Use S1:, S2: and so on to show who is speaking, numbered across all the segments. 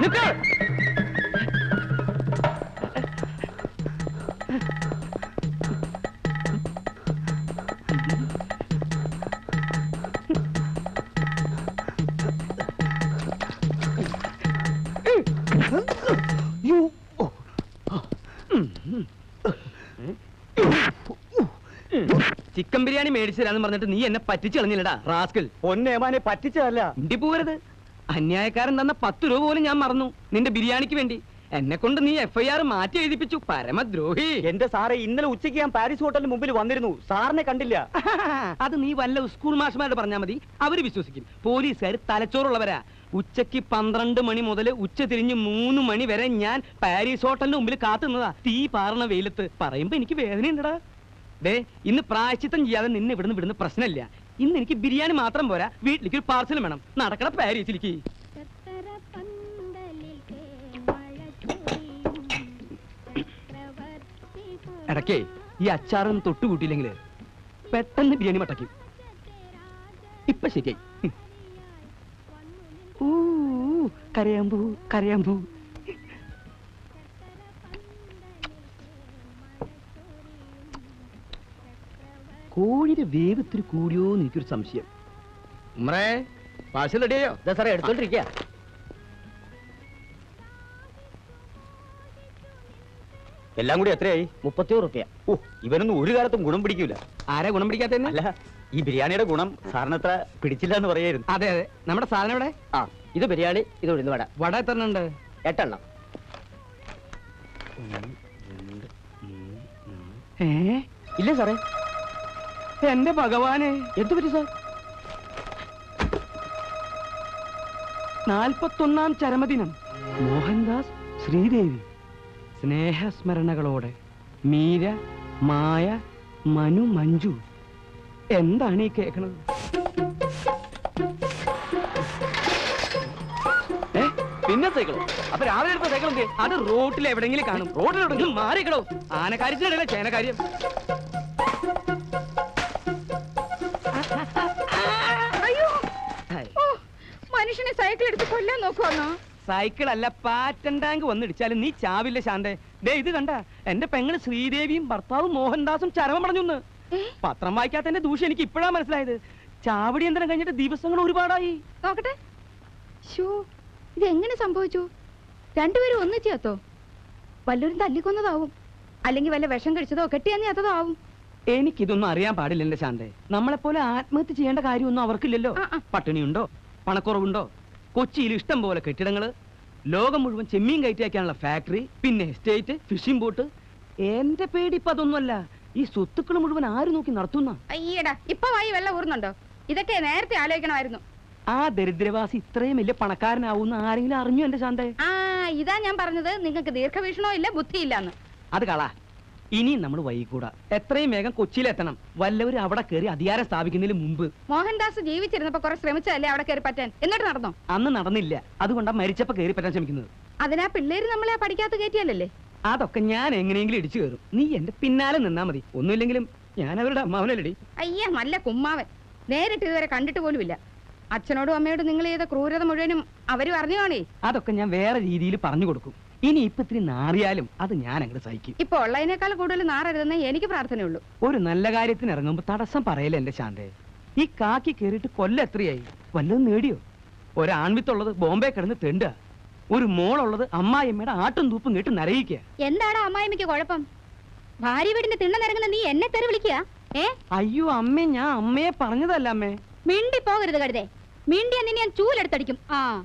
S1: Chicken biryani മേടിച്ചതാന്ന് പറഞ്ഞിട്ട് നീ എന്നെ പറ്റിച്ചു കളഞ്ഞില്ലടാ റാസ്കൽ.
S2: പൊന്നേമാനെ പറ്റിച്ചതല്ല.
S1: ഇണ്ടി പോവരുത്. അന്യായക്കാരൻ തന്ന 10 രൂപ പോലും ഞാൻ മറന്നു നിന്റെ ബിരിയാണിക്ക് വേണ്ടി. എന്നെ കൊണ്ട് നീ FIR മാറ്റി എഴുതിപ്പിച്ചു. പരമദ്രോഹി.
S2: എന്റെ സാറേ, ഇന്നലെ ഉച്ചയ്ക്ക് ഞാൻ പാരീസ് ഹോട്ടലിന് മുമ്പിൽ വന്നിരുന്നു. സാറിനെ കണ്ടില്ല.
S1: അത് നീ വല്ല സ്കൂൾ മാഷ്മാരോട് പറഞ്ഞാൽ മതി, അവര് വിശ്വസിക്കും. പോലീസുകാർ തലച്ചോറുള്ളവരാ. ഉച്ചക്ക് 12 മണി മുതൽ ഉച്ച തിരിഞ്ഞ് 3 മണി വരെ ഞാൻ പാരീസ് ഹോട്ടലിന് മുമ്പിൽ കാത്തുന്നതാ. തീ പാറണ വെയിലത്ത്. പറയുമ്പോ എനിക്ക് വേദനയുണ്ടടാ. ദേ, ഇന്ന് പ്രായശ്ചിത്തം ചെയ്യാതെ നിന്നെ ഇവിടുന്ന് വിടുന്ന പ്രശ്നമില്ല. ഇന്ന് എനിക്ക് ബിരിയാണി മാത്രം പോരാ, വീട്ടിലേക്ക് ഒരു പാർസലും വേണം. നടക്കണ പാരീസിലേക്ക്. ഇടയ്ക്കേ ഈ അച്ചാറൊന്നും തൊട്ടുകൂട്ടിയില്ലെങ്കിൽ പെട്ടെന്ന് ബിരിയാണി മട്ടയ്ക്കും. ഇപ്പൊ ശരിയായി. കരയാമ്പൂ കരയാമ്പൂ. കോഴിയുടെ വേവ് ഇത്തിരി കൂടിയോ എന്ന് എനിക്കൊരു സംശയം. ഉമ്മറേ, പാഴ്സൽ റെഡിയോ?
S2: സാറേ, എടുത്തോണ്ടിരിക്കുക. എല്ലാം കൂടി എത്രയായി? 31 രൂപ. ഓ, ഇവനൊന്നും ഒരു കാലത്തും ഗുണം പിടിക്കൂല.
S1: ആരാ ഗുണം പിടിക്കാത്ത?
S2: അല്ല, ഈ ബിരിയാണിയുടെ ഗുണം സാറിന് അത്ര പിടിച്ചില്ല എന്ന് പറയായിരുന്നു.
S1: അതെ അതെ. നമ്മുടെ സാധനം ഇവിടെ.
S2: ഇത് ബിരിയാണി, ഇത് ഉഴുന്ന് വട.
S1: വട എത്ര ഉണ്ട്?
S2: 8 എണ്ണം. ഇല്ല സാറേ.
S1: എന്റെ ഭഗവാനെ,
S2: എന്തു പറ്റി സാർ?
S1: 41ാം ചരമദിനം. മോഹൻദാസ്, ശ്രീദേവി. സ്നേഹസ്മരണകളോടെ മീര, മായ, മനു, മഞ്ജു. എന്താണ് ഈ കേൾക്കണത്?
S2: പിന്നെ സൈക്കിളോ? അപ്പൊ രാവിലെ എടുത്ത സൈക്കിൾ എന്ത്?
S1: അത് റോട്ടിൽ എവിടെങ്കിലും കാണും. റോഡിലെവിടെങ്കിലും മാറിക്കടോ. ആനക്കാര്യത്തിനിടയിലെ ചേനക്കാര്യം.
S3: മനുഷ്യനെ സൈക്കിൾ എടുത്ത് കൊല്ലാൻ നോക്കുവാന്നോ?
S1: സൈക്കിൾ അല്ല, പാറ്റൻ ടാങ്ക് വന്നിടിച്ചാലും നീ ചാവില്ല ശാന്തേ. ദേ ഇത് കണ്ട, എന്റെ പെങ്ങള് ശ്രീദേവിയും ഭർത്താവും മോഹൻദാസും ചരമം പറഞ്ഞൊന്ന്. പത്രം വായിക്കാത്തതിന്റെ ദൂഷ്യം എനിക്ക് ഇപ്പോഴാ മനസ്സിലായത്. ചാവടി യന്ത്രം കഴിഞ്ഞിട്ട് ദിവസങ്ങൾ ഒരുപാടായി.
S3: നോക്കട്ടെ. ഇതെങ്ങനെ സംഭവിച്ചു? രണ്ടുപേരും ഒന്നിച്ചോ? വല്ലവരും തല്ലിക്കൊന്നതാവും, അല്ലെങ്കിൽ വല്ല വിഷം കഴിച്ചതോ കെട്ടിയതോ ആവും.
S1: എനിക്കിതൊന്നും അറിയാൻ പാടില്ല എന്റെ ശാന്തേ. നമ്മളെപ്പോലെ ആത്മഹത്യ ചെയ്യേണ്ട കാര്യമൊന്നും അവർക്കില്ലല്ലോ. പട്ടിണിയുണ്ടോ, പണക്കുറവുണ്ടോ? കൊച്ചിയിൽ ഇഷ്ടം പോലെ കെട്ടിടങ്ങള്, ലോകം മുഴുവൻ ചെമ്മീൻ കയറ്റിയാക്കാനുള്ള ഫാക്ടറി, പിന്നെ എസ്റ്റേറ്റ്, ഫിഷിംഗ് ബോട്ട്. എന്റെ പേടി ഇപ്പൊ അതൊന്നുമല്ല. ഈ സ്വത്തുക്കൾ മുഴുവൻ ആര് നോക്കി നടത്തുന്ന?
S3: അയ്യടാ, ഇപ്പൊ വായി വെള്ളം ഊർന്നുണ്ടോ? ഇതൊക്കെ നേരത്തെ ആലോചിക്കണമായിരുന്നു.
S1: ആ ദരിദ്രവാസി ഇത്രയും വലിയ പണക്കാരനാവുന്ന ആരെങ്കിലും അറിഞ്ഞു എന്റെ ശാന്തേ?
S3: ഇതാ ഞാൻ പറഞ്ഞത്, നിങ്ങൾക്ക് ദീർഘവീക്ഷണോ ഇല്ല, ബുദ്ധിയില്ലാന്ന്.
S1: അത് കളാ. ഇനിയും നമ്മൾ വൈകൂടാ. എത്രയും വേഗം കൊച്ചിയിലെത്തണം. വല്ലവരും അവിടെ കയറി അധികാരം സ്ഥാപിക്കുന്നതിന് മുമ്പ്.
S3: മോഹൻദാസ് ജീവിച്ചിരുന്നപ്പോ കുറെ ശ്രമിച്ചല്ലേ അവിടെ കയറി പറ്റാൻ. എന്നിട്ട് നടന്നോ?
S1: അന്ന് നടന്നില്ല. അതുകൊണ്ടാ മരിച്ചപ്പോ കയറി പറ്റാൻ ശ്രമിക്കുന്നത്.
S3: അതിനാ പിള്ളേര് നമ്മളെ പഠിക്കാത്ത കയറ്റിയല്ലേ?
S1: അതൊക്കെ ഞാൻ എങ്ങനെയെങ്കിലും ഇടിച്ചു കയറും. നീ എന്റെ പിന്നാലെ നിന്നാ മതി. ഒന്നുമില്ലെങ്കിലും ഞാൻ അവരുടെ അമ്മാവനല്ലടി.
S3: അയ്യ, നല്ല കുമ്മാവൻ. നേരിട്ട് ഇതുവരെ കണ്ടിട്ട് പോലുമില്ല. അച്ഛനോടും അമ്മയോടും നിങ്ങൾ ചെയ്ത ക്രൂരത മുഴുവനും അവരും അറിഞ്ഞു കാണേ.
S1: അതൊക്കെ ഞാൻ വേറെ രീതിയിൽ പറഞ്ഞു കൊടുക്കും. ഇനി ഇപ്പൊ ഇത്തിരി നാറിയാലും അത് ഞാൻ അങ്ങോട്ട് സഹിക്കും.
S3: ഇപ്പൊ ഉള്ളതിനേക്കാൾ കൂടുതൽ നാറരുതെന്നേ എനിക്ക് പ്രാർത്ഥനയുള്ളൂ.
S1: ഒരു നല്ല കാര്യത്തിന് ഇറങ്ങുമ്പോ തടസ്സം പറയല്ലേ എന്റെ ശാന്തേ. ഈ കാക്കി കേറിയിട്ട് കൊല്ലം എത്രയായി? വല്ലതും നേടിയോ? ഒരാൺവിത്തുള്ളത് ബോംബെ കിടന്ന് തെണ്ടുക. ഒരു മോളുള്ളത് അമ്മായിയമ്മയുടെ ആട്ടും തൂപ്പും കേട്ട് നരയിക്കുക.
S3: എന്താണ് അമ്മായിമ്മയ്ക്ക് കുഴപ്പം? ഭാര്യ വീടിന്റെ തിണ്ണനിറങ്ങുന്ന നീ എന്നെ തെറി വിളിക്കുക?
S1: അയ്യോ അമ്മേ, ഞാൻ അമ്മയെ പറഞ്ഞതല്ല അമ്മേ.
S3: മിണ്ടി പോകരുത് കരുതേ. മിണ്ടി നിന്നെ ഞാൻ ചൂലെടുത്തടിക്കും.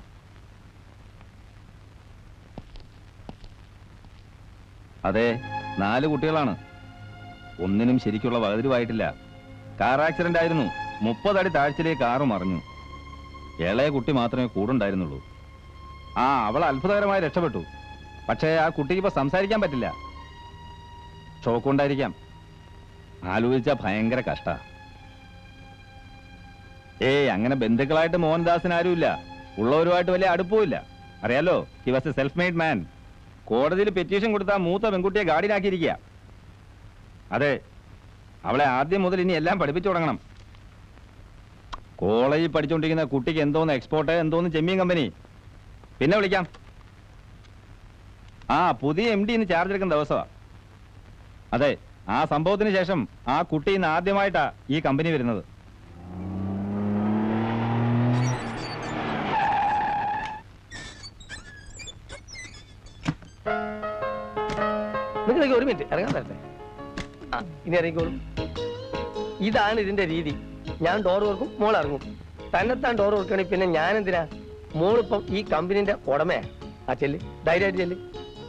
S4: അതെ, 4 കുട്ടികളാണ്. ഒന്നിനും ശരിക്കുള്ള വകതിരിവായിട്ടില്ല. കാർ ആക്സിഡന്റ് ആയിരുന്നു. 30 അടി താഴ്ചയിലേക്ക് കാറ് മറിഞ്ഞു. ഇളയ കുട്ടി മാത്രമേ കൂടുണ്ടായിരുന്നുള്ളൂ. അവൾ അത്ഭുതകരമായി രക്ഷപ്പെട്ടു. പക്ഷേ ആ കുട്ടിക്ക് ഇപ്പൊ സംസാരിക്കാൻ പറ്റില്ല. ഷോക്കുണ്ടായിരിക്കാം. ആലോചിച്ച ഭയങ്കര കഷ്ട. അങ്ങനെ ബന്ധുക്കളായിട്ട് മോഹൻദാസിന് ആരുമില്ല. ഉള്ളവരുമായിട്ട് വലിയ അടുപ്പമില്ല. അറിയാലോ, he was a self made man. കോടതിയിൽ പെറ്റീഷൻ കൊടുത്താൽ മൂത്ത പെൺകുട്ടിയെ ഗാർഡിയനാക്കിയിരിക്കുക. അതെ, അവളെ ആദ്യം മുതൽ ഇനി എല്ലാം പഠിപ്പിച്ചു തുടങ്ങണം. കോളേജിൽ പഠിച്ചുകൊണ്ടിരിക്കുന്ന കുട്ടിക്ക് എന്തോന്ന് എക്സ്പോർട്ട്, എന്തോന്ന് ചെമ്മീൻ കമ്പനി. പിന്നെ വിളിക്കാം. ആ പുതിയ MD ഇന്ന് ചാർജ് എടുക്കുന്ന ദിവസമാ. അതെ, ആ സംഭവത്തിന് ശേഷം ആ കുട്ടി ഇന്ന് ആദ്യമായിട്ടാ ഈ കമ്പനി വരുന്നത്.
S5: നിങ്ങൾ ഒരു മിനിറ്റ് ഇറങ്ങാൻ തരട്ടെ. ഇനി ഇറങ്ങിക്കോളും. ഇതാണ് ഇതിന്റെ രീതി. ഞാൻ ഡോർ തുറക്കും, മോൾ ഇറങ്ങും. തന്നെത്താൻ ഡോർ തുറക്കണെങ്കിൽ പിന്നെ ഞാൻ എന്തിനാ? മോളിപ്പം ഈ കമ്പനിന്റെ ഉടമയാ. ആ ചെല്ല്, ധൈര്യമായിട്ട് ചെല്ല്.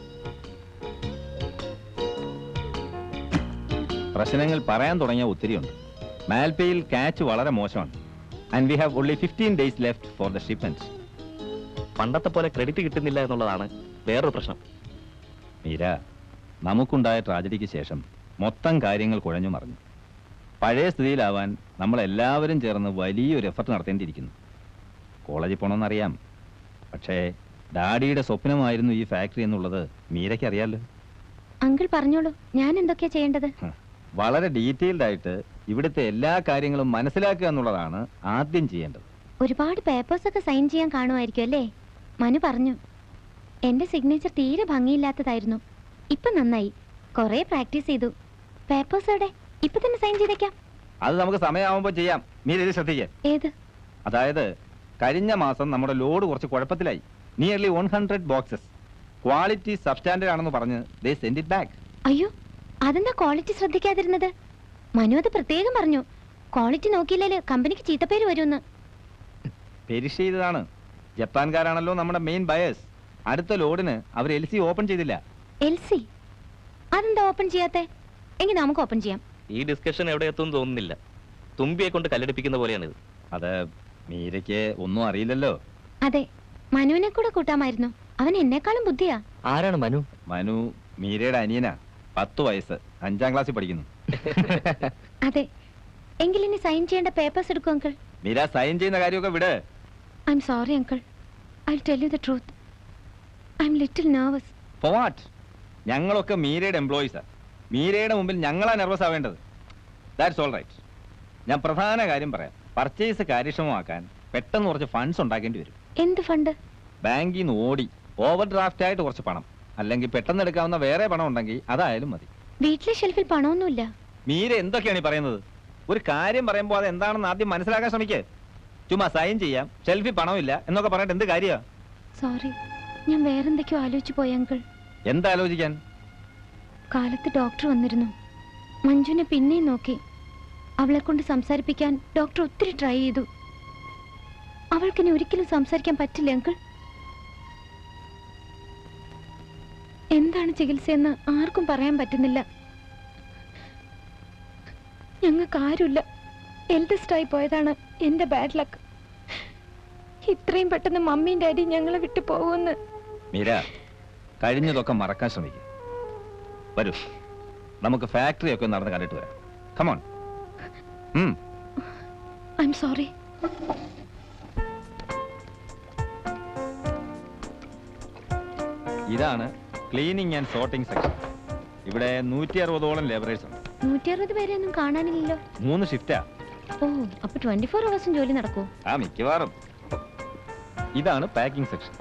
S4: പ്രശ്നങ്ങൾ പറയാൻ തുടങ്ങിയ ഒത്തിരിയുണ്ട്. മാൽപേയിൽ ക്യാച്ച് വളരെ മോശമാണ്. And we have only 15 days left for the shipment.
S2: പണ്ടത്തെ പോലെ ക്രെഡിറ്റ് കിട്ടുന്നില്ല എന്നുള്ളതാണ് വേറൊരു പ്രശ്നം.
S4: മീര, നമുക്കുണ്ടായ ട്രാജഡിക്ക് ശേഷം മൊത്തം കാര്യങ്ങൾ കുഴഞ്ഞു മറിഞ്ഞു. പഴയ സ്ഥിതിയിലാവാൻ നമ്മളെല്ലാവരും ചേർന്ന് വലിയൊരു എഫർട്ട് നടത്തേണ്ടിയിരിക്കുന്നു. കോളേജിൽ പോകണമെന്നറിയാം, പക്ഷേ ഡാഡിയുടെ സ്വപ്നമായിരുന്നു ഈ ഫാക്ടറി എന്നുള്ളത് മീരയ്ക്ക് അറിയാലോ.
S6: അങ്കിൾ പറഞ്ഞോളൂ, ഞാൻ എന്തൊക്കെയാ ചെയ്യേണ്ടത്?
S4: വളരെ ഡീറ്റെയിൽഡ് ആയിട്ട് ഇവിടുത്തെ എല്ലാ കാര്യങ്ങളും മനസ്സിലാക്കുക എന്നുള്ളതാണ് ആദ്യം ചെയ്യേണ്ടത്.
S6: ഒരുപാട് പേപ്പേഴ്സ് ഒക്കെ സൈൻ ചെയ്യാൻ കാണുമായിരിക്കും അല്ലേ? മനു പറഞ്ഞു. എന്റെ സിഗ്നേച്ചർ തീരെ ഭംഗിയില്ലാത്തതായിരുന്നു. ഇപ്പൊ നന്നായി, കുറെ പ്രാക്ടീസ് ചെയ്തു. പേപ്പേഴ്സ് എവിടെ? ഇപ്പൊ തന്നെ സൈൻ ചെയ്തേക്കാം.
S4: അത് നമുക്ക് സമയമാകുമ്പോൾ ചെയ്യാം. മീര ഇത് ശ്രദ്ധിക്കുക.
S6: ഏത്?
S4: അതായത് കഴിഞ്ഞ മാസം നമ്മുടെ ലോഡ് കുറച്ച് കുഴപ്പത്തിലായി. Nearly 100 boxes. ക്വാളിറ്റി സബ്സ്റ്റാൻഡേർഡ് ആണെന്ന് പറഞ്ഞ് ദേ സെൻഡ് ഇറ്റ് ബാക്ക്.
S6: അയ്യോ, അതെന്താ ക്വാളിറ്റി ശ്രദ്ധിക്കാതിരുന്നത്? മനു അത് പ്രത്യേകം പറഞ്ഞു. ക്വാളിറ്റി നോക്കിയില്ലേ കമ്പനിക്ക് ചീത്തപ്പേര് വരുമെന്ന്.
S4: പെരിഷ് ചെയ്തതാണ്. ജപ്പാൻകാരാണല്ലോ നമ്മുടെ മെയിൻ ബയേഴ്സ്. അടുത്ത ലോഡിന് അവർ LC ഓപ്പൺ ചെയ്തില്ല.
S6: LC? അതെന്താ ഓപ്പൺ ചെയ്യാത്തെ? എങ്കിൽ നമുക്ക് ഓപ്പൺ ചെയ്യാം.
S2: ഈ ഡിസ്കഷൻ എവിടെ എത്തുമെന്ന് തോന്നുന്നില്ല. തുമ്പിയെ കൊണ്ട് കല്ലെടുപ്പിക്കുന്ന പോലെയാണിത്.
S4: അത് മീരയ്ക്ക് ഒന്നും അറിയില്ലല്ലോ.
S6: അതെ, മനുവിനെ കൂടെ കൂട്ടാമായിരുന്നു. അവൻ എന്നെക്കാളും ബുദ്ധിയാ.
S2: ആരാണ് മനു?
S4: മനു മീരയുടെ അനിയനാ. 10 വയസ്സ്, 5ാം ക്ലാസ്സിൽ പഠിക്കുന്നു.
S6: അതെ, എങ്കിൽ ഇനി സൈൻ ചെയ്യേണ്ട പേപ്പേഴ്സ് എടുക്കും അങ്കിൾ.
S4: മീര സൈൻ ചെയ്യുന്ന കാര്യമൊക്കെ വിട്.
S6: I'm sorry uncle. I will tell you the truth. I'm little nervous.
S4: For what? ഞങ്ങളൊക്കെ മീരയുടെ എംപ്ലോയീസാ. മീരയുടെ മുമ്പിൽ ഞങ്ങളാ നെർവസ് ആവേണ്ടത്. That's all right. ഞാൻ പ്രധാന കാര്യം പറയാം. പർച്ചേസ് കാര്യക്ഷമമാക്കാൻ പെട്ടെന്ന് കുറച്ച് ഫണ്ട്സ് ഉണ്ടാക്കേണ്ടി വരും.
S6: എന്ത് ഫണ്ട്?
S4: ബാങ്കിൽ നിന്ന് ഓടി ഓവർ ഡ്രാഫ്റ്റ് ആയിട്ട് കുറച്ച് പണം, അല്ലെങ്കിൽ പെട്ടെന്ന് എടുക്കാവുന്ന വേറെ പണം ഉണ്ടെങ്കിൽ അതായാലും മതി.
S6: വീട്ടിലെ ഷെൽഫിൽ പണമൊന്നുമില്ല.
S4: മീര എന്തൊക്കെയാണ് ഈ പറയുന്നത്? ഒരു കാര്യം പറയുമ്പോൾ അത് എന്താണെന്ന് ആദ്യം മനസ്സിലാക്കാൻ ശ്രമിക്കേ. ചുമ്മാ സൈൻ ചെയ്യാം, ഷെൽഫിൽ പണമില്ല എന്നൊക്കെ പറഞ്ഞിട്ട് എന്ത് കാര്യമാ?
S6: സോറി, ഞാൻ വേറെന്തൊക്കെയോ ആലോചിച്ചു പോയി അങ്കിൾ.
S4: എന്താലോചിക്കാൻ?
S6: കാലത്ത് ഡോക്ടർ വന്നിരുന്നു. മഞ്ജുവിനെ പിന്നെയും നോക്കി. അവളെ കൊണ്ട് സംസാരിപ്പിക്കാൻ ഡോക്ടർ ഒത്തിരി ട്രൈ ചെയ്തു. അവൾക്കിനി ഒരിക്കലും സംസാരിക്കാൻ പറ്റില്ല അങ്കിൾ. എന്താണ് ചികിത്സയെന്ന് ആർക്കും പറയാൻ പറ്റുന്നില്ല. ഞങ്ങൾക്ക് ആരുമില്ല. എൽഡസ്റ്റ് ആയി പോയതാണ് എന്റെ ബാഡ് ലക്ക്. ഇത്രയും പെട്ടെന്ന് മമ്മിയും ഡാഡിയും ഞങ്ങളെ വിട്ടു പോകുമെന്ന്.
S4: മീര, കഴിഞ്ഞതൊക്കെ മറക്കാൻ ശ്രമിക്കുക. വരൂ, നമുക്ക് ഫാക്ടറി ഒക്കെ നടന്ന് കണ്ടിട്ട് വരാം. കമോൺ.
S6: I'm sorry.
S4: ഇതാണ് ക്ലീനിങ് ആൻഡ് സോർട്ടിംഗ് സെക്ഷൻ. ഇവിടെ 160ഓളം ലേബറേഴ്സ് ഉണ്ട്.
S6: 160 പേരെ ഒന്നും കാണാനില്ലല്ലോ.
S4: 3 ഷിഫ്റ്റാ.
S6: ഓ, അപ്പൊ 24 അവേഴ്സും ജോലി നടക്കൂ?
S4: ആ, മിക്കവാറും. ഇതാണ് പാക്കിംഗ് സെക്ഷൻ.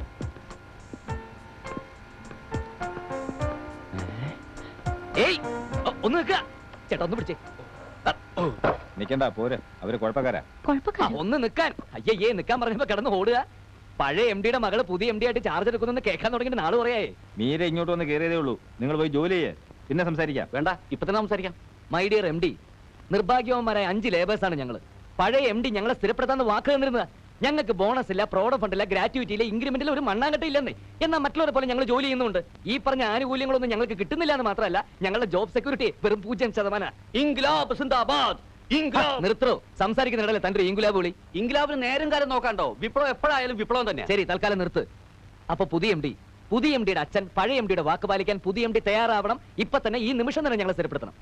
S2: ഒന്ന് നിൽക്കുക ചേട്ടാ, ഒന്ന് പിടിച്ചേ.
S4: നിക്കണ്ട, പോരെ, അവര് കുഴപ്പക്കാരാ.
S6: കുഴപ്പക്കാരോ?
S1: ഒന്ന് നിൽക്കാൻ. അയ്യേ, നിൽക്കാൻ പറഞ്ഞപ്പോ കിടന്ന് ഓടുക. പഴയ MD-യുടെ മകള് പുതിയ MD ആയിട്ട് ചാർജ് എടുക്കുന്നെന്ന് കേൾക്കാൻ തുടങ്ങിയിട്ട് നാള് പറയായേ.
S4: മീര ഇങ്ങോട്ട് വന്ന് കയറിയതേ ഉള്ളൂ. നിങ്ങൾ പോയി ജോലി ചെയ്യേ, പിന്നെ സംസാരിക്കാം.
S1: വേണ്ട, ഇപ്പൊ തന്നെ സംസാരിക്കാം. മൈ ഡിയർ MD, നിർഭാഗ്യവന്മാരായ 5 ലേബേഴ്സാണ് ഞങ്ങള്. പഴയ MD ഞങ്ങളെ സ്ഥിരപ്പെടുത്താന്ന് വാക്ക് തന്നിരുന്നത്. ഞങ്ങൾക്ക് ബോണസ് ഇല്ല, പ്രോഡക്റ്റ് ഫണ്ട് ഇല്ല, ഗ്രാറ്റുവിറ്റി ഇല്ല, ഇൻക്രിമെന്റിൽ ഒരു മണ്ണാങ്കട്ട ഇല്ലെന്നേ. എന്നാൽ മറ്റുള്ളവരെ പോലെ ഞങ്ങൾ ജോലി ചെയ്യുന്നുണ്ട്. ഈ പറഞ്ഞ ആനുകൂല്യങ്ങളൊന്നും ഞങ്ങൾക്ക് കിട്ടുന്നില്ല എന്ന് മാത്രമല്ല, ഞങ്ങളുടെ ജോബ് സെക്യൂരിറ്റി വെറും 0%. ഇൻക്ലാബ് സിന്ദാബാദ്. നിർത്തോ, സംസാരിക്കുന്നിടല്ലേ തന്റെ ഇൻകുലാബ് വിളി. ഇൻകുലാബിന് നേരം കാലം നോക്കാണ്ടോ? വിപ്ലവം എപ്പോഴായാലും വിപ്ലവം തന്നെ. ശരി, തൽക്കാലം നിർത്ത്. അപ്പൊ പുതിയ MD-യുടെ അച്ഛൻ പഴയ MD-യുടെ വാക്ക് പാലിക്കാൻ പുതിയ MD തയ്യാറാവണം. ഇപ്പൊ തന്നെ, ഈ നിമിഷം തന്നെ ഞങ്ങളെ സ്ഥിരപ്പെടുത്തണം.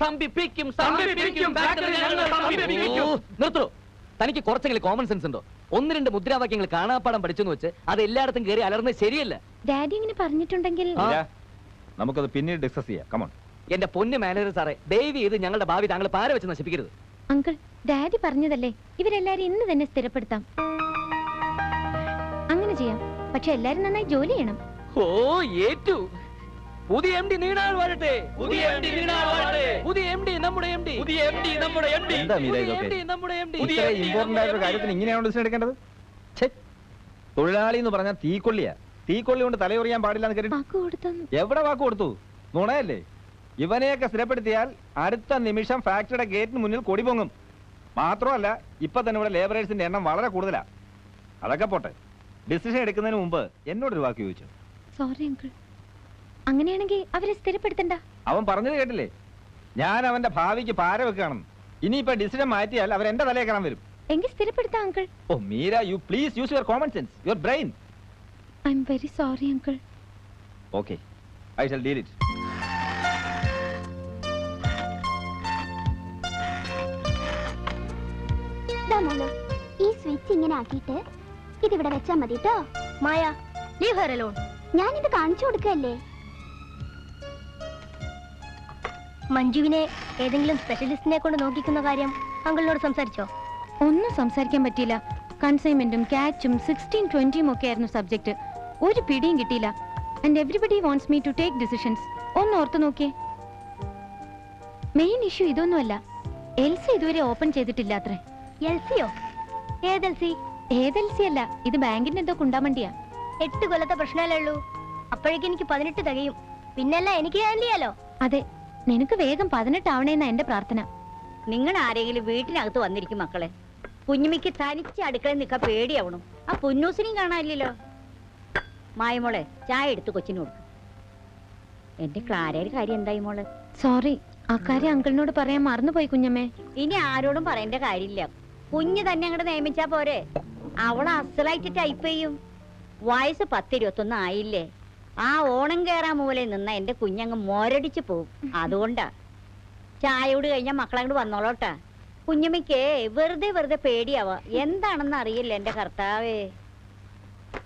S1: നിർത്തോ. തനിക്ക് കുറച്ചെങ്കിലും കോമൺ സെൻസ് ഉണ്ടോ? 1-2 മുദ്രാവാക്യങ്ങൾ കാണാപ്പാടം പഠിച്ചെന്ന് വെച്ച് അത് എല്ലായിടത്തും കയറി അലർന്നത് ശരിയല്ല.
S6: ഡാഡി ഇങ്ങനെ പറഞ്ഞിട്ടുണ്ടെങ്കിൽ
S4: നമുക്കത് പിന്നീട് ഡിസ്കസ് ചെയ്യാം. കമോൺ.
S1: എന്റെ പൊന്ന് മാനേജർ സാറേ, ദയവ് ചെയ്ത് ഞങ്ങളുടെ ഭാവി താങ്കൾ പാര വെച്ച് നശിപ്പിക്കരുത്.
S6: അങ്കിൾ, ഡാഡി പറഞ്ഞതല്ലേ, ഇവരെല്ലാരും ഇന്ന് തന്നെ സ്ഥിരപ്പെടുത്താം. അങ്ങനെ ചെയ്യാം, പക്ഷെ എല്ലാരും നന്നായി ജോലി ചെയ്യണം.
S1: ഓ, ഏറ്റു. പുതിയ എം ഡി നീണാൾ വരട്ടെ, പുതിയ എം ഡി നീണാൾ വരട്ടെ, പുതിയ എം ഡി നമ്മുടെ എം ഡി, പുതിയ എം ഡി നമ്മുടെ എം ഡി,
S4: എന്താ മീര
S1: പുതിയ
S4: ഇതൊക്കെ?
S1: എം ഡി നമ്മുടെ എം ഡി.
S4: ഇത്ര ഇമ്പോർട്ടന്റ് ആയിട്ടുള്ള കാര്യത്തിന് ഇങ്ങനെയാണോ ഡിസിഷൻ എടുക്കേണ്ടത്? ഛെ, തൊഴിലാളി എന്ന് പറഞ്ഞാൽ തീക്കൊള്ളിയാ. തീക്കൊള്ളി കൊണ്ട് തലയുറിയാൻ പാടില്ല എന്ന് കേട്ടിട്ട്
S6: വാക്ക് കൊടുത്തൊന്നും
S4: എവിടെ വാക്ക് കൊടുത്തു? നുണയല്ലേ? ഇവനെയൊക്കെ സ്ഥിരപ്പെടുത്തിയാൽ അടുത്ത നിമിഷം ഫാക്ടറിയുടെ ഗേറ്റിന് മുന്നിൽ കൊടി പൊങ്ങും. മാത്രമല്ല ഇപ്പൊ തന്നെ ഇവിടെ ലേബറേഴ്സിന്റെ എണ്ണം വളരെ കൂടുതലാ. അതൊക്കെ പോട്ടെ, ഡിസിഷൻ എടുക്കുന്നതിന് മുമ്പ് എന്നോടൊരു വാക്ക് ചോദിച്ചു.
S6: Sorry uncle. അങ്ങനെയാണെങ്കിൽ അവരെ സ്ഥിരപ്പെടുത്തണ്ട.
S4: അവൻ പറഞ്ഞത് കേട്ടില്ലേ? ഞാൻ അവന്റെ ഭാവിക്ക് പാര വെക്കുകയാണെന്ന്. ഇനിയിപ്പോ ഡിസിഷൻ മാറ്റിയാൽ അവർ എന്റെ തലയെ കാണാൻ വരും.
S6: എങ്കിൽ സ്ഥിരപ്പെടുത്താം uncle.
S4: Oh Meera, you please use your common sense, your brain.
S6: I'm very sorry uncle.
S4: Okay, I shall deal it.
S7: ഈ സ്വിച്ച് ഇങ്ങനെ ആക്കിയിട്ട് ഇതിവിടെ വെച്ചാ മതി കേട്ടോ. Maya, leave her alone. ഞാൻ ഇത് കാണിച്ചു കൊടുക്കല്ലേ. മഞ്ജുവിനെ ഏതെങ്കിലും സ്പെഷ്യലിസ്റ്റിനെ കൊണ്ട് നോക്കിക്കുന്ന കാര്യം അങ്കിളിനോട് സംസാരിച്ചോ?
S6: ഒന്നും സംസാരിക്കാൻ പറ്റിയില്ല. കൺസൈൻമെന്റും ക്യാച്ചും 16-20 ഒക്കെ ആയിരുന്നു സബ്ജക്ട്. ഒരു പിടിയും കിട്ടിയില്ല. And everybody wants me to take decisions. ഒന്ന് ഓർത്ത് നോക്കിയേ. മെയിൻ ഇഷ്യൂ ഇതൊന്നുമല്ല. എൽസി ഇതുവരെ ഓപ്പൺ ചെയ്തിട്ടില്ല അത്രേ.
S7: എൽസിയോ? ഏതെൽസി?
S6: ഏതെൽസി അല്ല, ഇത് ബാങ്കിന്റെ എന്തോ കുണ്ടാമണ്ടിയാ.
S7: 8 കൊല്ലത്തെ പ്രശ്നമല്ലേ ഉള്ളൂ. അപ്പോഴേക്കും എനിക്ക് 18 തികയും. പിന്നല്ല എനിക്ക് ഹാൻഡിൽ ചെയ്യാലോ.
S6: അതെ, നിനക്ക് വേഗം 18 ആവണേന്നാ എന്റെ പ്രാർത്ഥന.
S8: നിങ്ങൾ ആരെങ്കിലും വീട്ടിനകത്ത് വന്നിരിക്കും മക്കളെ. കുഞ്ഞുമിക്ക് തനിച്ച് അടുക്കളയിൽ നിൽക്കാൻ പേടിയാവണം. ആ പുന്നൂസിനെയും കാണാനില്ലല്ലോ. മായമോളെ, ചായ എടുത്ത് കൊച്ചിന് കൊടുക്കും. എന്റെ ക്ലാരയുടെ കാര്യം എന്തായി മോളെ?
S6: സോറി, അക്കാര്യം അങ്കിളിനോട് പറയാൻ മറന്നുപോയി കുഞ്ഞമ്മേ.
S8: ഇനി ആരോടും പറയേണ്ട കാര്യമില്ല. കുഞ്ഞ് തന്നെ അങ്ങോട്ട് നിയമിച്ചാ പോരെ. അവള് അസലായിട്ട് ടൈപ്പ് ചെയ്യും. വയസ്സ് 10-21 ആയില്ലേ. ആ ഓണം കേറാൻ മൂലയിൽ നിന്ന എന്റെ കുഞ്ഞങ്ങ് മോരടിച്ചു പോവും. അതുകൊണ്ടാ ചായയോട് കഴിഞ്ഞാൽ മക്കളങ്ങോട്ട് വന്നോളോട്ടാ. കുഞ്ഞമ്മയ്ക്ക് വെറുതെ പേടിയാവാ. എന്താണെന്ന് അറിയില്ല എന്റെ കർത്താവേ.